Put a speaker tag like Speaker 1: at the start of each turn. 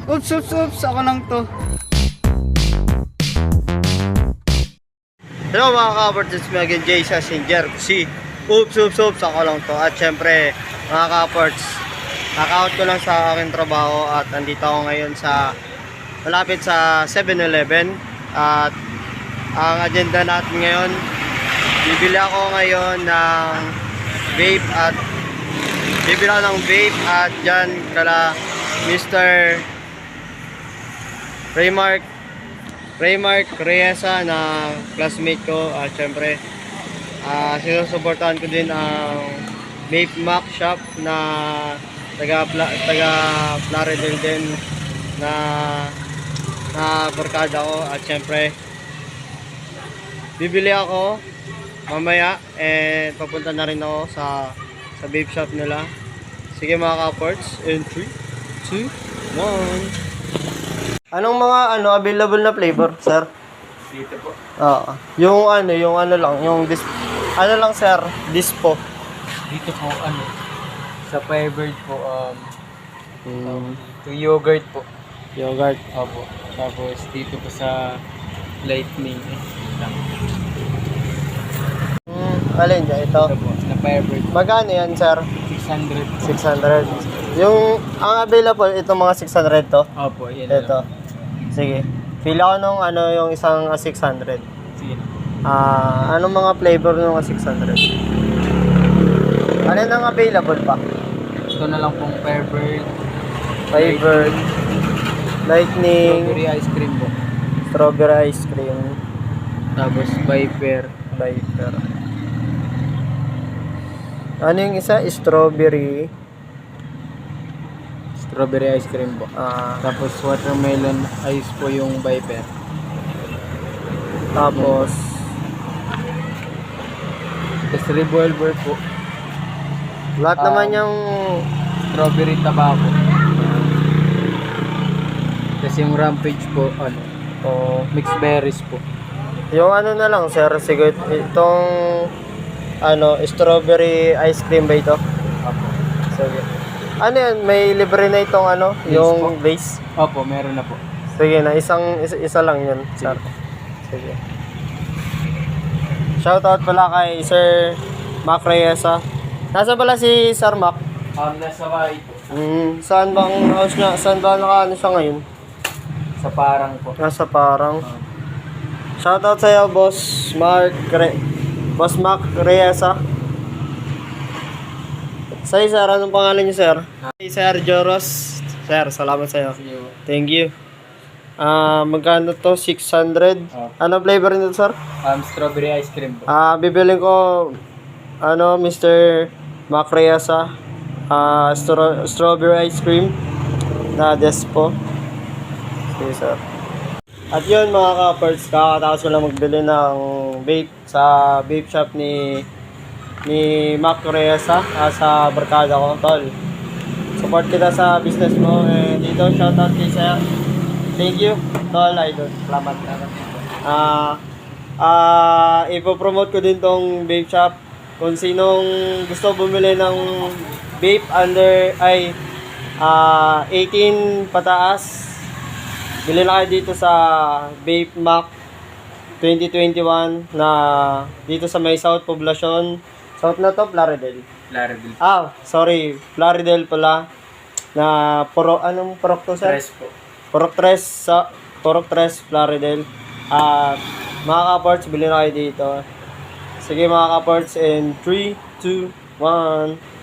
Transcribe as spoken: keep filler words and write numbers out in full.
Speaker 1: Oops, oops, oops. Ako lang to. Hello mga ka-Aports, it's me again, Jay sa Singer. Si Oops, oops, oops. Ako lang to. At syempre, mga ka-Aports, naka-out ko lang sa aking trabaho at andito ako ngayon sa malapit sa seven eleven. At ang agenda natin ngayon, bibili ako ngayon ng vape at bibili ako ng vape at dyan kala Mister Raymark Raymark Reyesa na classmate ko at syempre uh, sinusuportahan ko din ang Vape Mac Shop na taga, taga Plaridel din na na barkada ko at syempre bibili ako mamaya and papunta na rin ako sa sa vape shop nila. Sige mga ka-Aports, in three, two, one. Anong mga ano available na flavor, sir?
Speaker 2: Dito po.
Speaker 1: Oo. Yung ano, yung ano lang, yung dis ano lang sir, dispo.
Speaker 2: Dito po ano, sa Firebird po, um,
Speaker 1: Hmm,
Speaker 2: yung yogurt po.
Speaker 1: yogurt.
Speaker 2: Opo. Tapos dito po sa Lightning. Eh,
Speaker 1: Hmm, alin dyan? Ito.
Speaker 2: ito po, na Firebird.
Speaker 1: Magkano yan, sir?
Speaker 2: six hundred po.
Speaker 1: six hundred. Yung, ang available, ito mga six hundred to.
Speaker 2: Opo, yan
Speaker 1: Ito.
Speaker 2: lang.
Speaker 1: Sige. Feel ako nung ano, yung isang uh, six hundred.
Speaker 2: Sige na.
Speaker 1: Ah, anong mga flavor nung six hundred? Ano nang available pa?
Speaker 2: Ito na lang pong Firebird.
Speaker 1: Firebird, Lightning,
Speaker 2: Strawberry ice cream po.
Speaker 1: strawberry ice cream,
Speaker 2: Tapos Viper.
Speaker 1: Viper. Ano yung isa? Strawberry.
Speaker 2: Strawberry ice cream po.
Speaker 1: Ah,
Speaker 2: Tapos watermelon ice po yung Viper.
Speaker 1: tapos
Speaker 2: Tapos revolver po.
Speaker 1: lahat
Speaker 2: Ah.
Speaker 1: naman yung
Speaker 2: Strawberry tobacco. Kasi yung rampage po, ano,
Speaker 1: oh,
Speaker 2: mixed berries po.
Speaker 1: yung ano na lang sir, sige itong ano, strawberry ice cream ba ito?
Speaker 2: Opo.
Speaker 1: Sige. Ano yan, may libre na itong ano,
Speaker 2: Base
Speaker 1: yung
Speaker 2: po.
Speaker 1: base.
Speaker 2: Opo, meron na po.
Speaker 1: Sige na, isang isa, isa lang yun, sir. Sige. Shoutout pala kay Sir Mac Reyesa. Nasa pala si Sir Mac?
Speaker 2: Um, nasa bahay po.
Speaker 1: Hmm, saan ba ang house niya? Saan ba naka ano siya ngayon?
Speaker 2: Sa parang po.
Speaker 1: Nasa parang. Shoutout sa iyo, Boss Mark Re Boss Mac Reyesa. Sa iyo, sir, anong pangalan niyo, sir? Hey, Sir Joros. Sir, salamat sa iyo. Thank you. Ah, magkano to? six hundred.
Speaker 2: Opo.
Speaker 1: Ano flavor nito, sir?
Speaker 2: Um, strawberry ice cream po.
Speaker 1: Ah, bibiling ko ano, Mister Mac Reyesa. Ah, stro strawberry ice cream na Despo. Sige, sir. At yun mga ka-Aports, kakatapos ko lang magbili ng vape sa vape shop ni ni Mac Reyesa ah, sa barkada ko, tol. Support kita sa business mo and dito shoutout kay sir. Thank you, tol, idol. Salamat. Ah, ah, ipopromote ko din tong vape shop. Kung sinong gusto bumili ng vape under ay ah, eighteen pataas, bili na kayo dito sa Vape Mac twenty twenty-one na dito sa may South Poblacion. South na to, Plaridel.
Speaker 2: Laredil.
Speaker 1: Ah, sorry, Plaridel pala. Na puro, anong purok to, sir?
Speaker 2: Tres po.
Speaker 1: Purok tres sa Purok tres, Plaridel. At mga ka-Aports, bili na kayo dito. Sige mga ka-Aports, in three, two, one.